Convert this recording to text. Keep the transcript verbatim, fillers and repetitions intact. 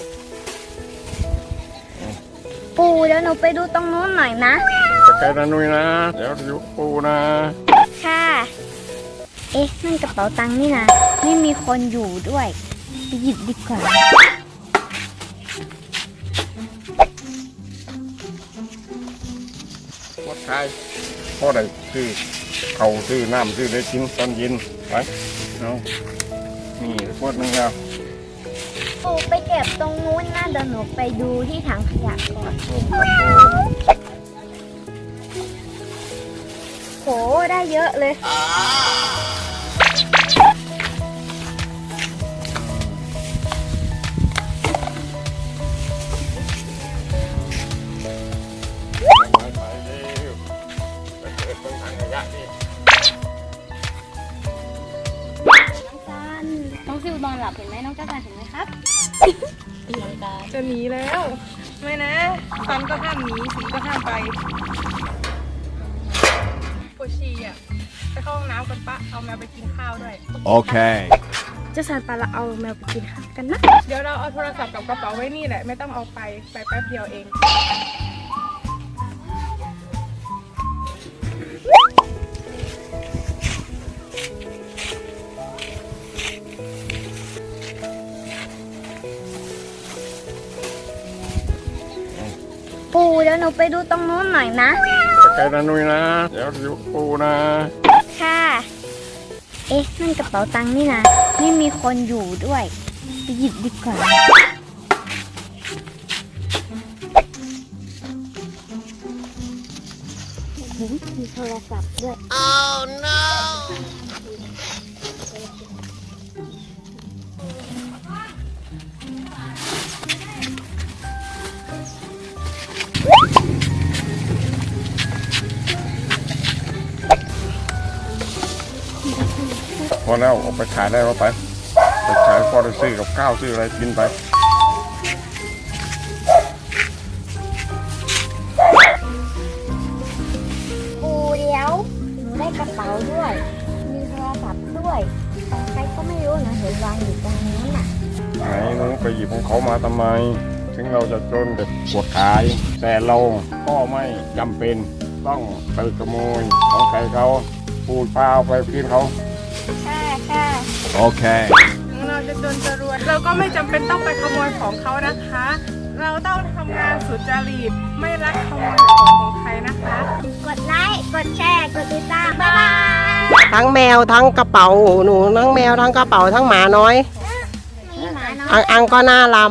ปูเดี๋ยวหนูไปดูตรงนู้นหน่อยนะไปไกลนะนุ้ยนะเดี๋ยวอยู่ปูนะค่ะ เอ๊ะนั่นกระเป๋าตังค์นี่นะไม่มีคนอยู่ด้วยไปหยิบดีกว่าวัดไทยพ่อได้ซื้อเขาซื้อน้ำซื้อได้กินตอนเย็นไปเอานี่ขวดหนึงแล้วปูไปเก็บตรงนู้นนะเดี๋ยวหนูไปดูที่ถังขยะก่อนโหได้เยอะเลยไปไปเร็วไปเปิดตรงถังขยะนี่น้องจันน้องซิวนอนหลับเห็นไหมน้องจันเห็นไหมครับตีลังกาจะหนีแล้วไม่นะซันก็ห้ามหนีสีก็ห้ามไปปวดฉี่อ่ะไปเข้าห้องน้ำกันปะเอาแมวไปกินข้าวด้วย Okay. จะสันปะเราเอาแมวไปกินข้าวกันนะเดี๋ยวเราเอาโทรศัพท์กับกระเป๋าไว้นี่แหละไม่ต้องเอาไปไปแป๊บเดียวเองปูเดี๋ยวหนูไปดูตรงนู้นหน่อยนะไปไกลนะนุ้ยนะเดี๋ยวอยู่ปูนะค่ะ เอ๊ะนั่นกระเป๋าตังค์นี่นะไม่มีคนอยู่ด้วยไปหยิบดีกว่าโอ้โหมีโทรศัพท์ด้วย Oh no. พอแล้วเอาไปขายได้แล้วไปไปขายพอได้ซื้อกับข้าวซื้ออะไรกินไปปูเดี๋ยวหนูได้กระเป๋าด้วย มีโทรศัพท์ด้วยของใครก็ไม่รู้นะเห็นวางอยู่ตรงนี้น่ะไหนหนูไปหยิบของเขามาทำไม ถึงเราจะจนแต่ปวดขาย แต่เราก็ไม่จำเป็นต้องไปขโมยของใครเขาปูดเปล่าไปกินเขาค่ะค่ะ Okay. เราจะจนจะรวยเราก็ไม่จำเป็นต้องไปขโมยของเขานะคะ เราต้องทำงานสุจริตไม่รักขโมยของของใครนะคะกดไลค์ กดแชร์ กดติดตาม บ๊ายบายทั้งแมวทั้งกระเป๋าหนูทั้งแมวทั้งกระเป๋าทั้งหมาน้อยมีหมาน้อยอังอังก็น่ารัก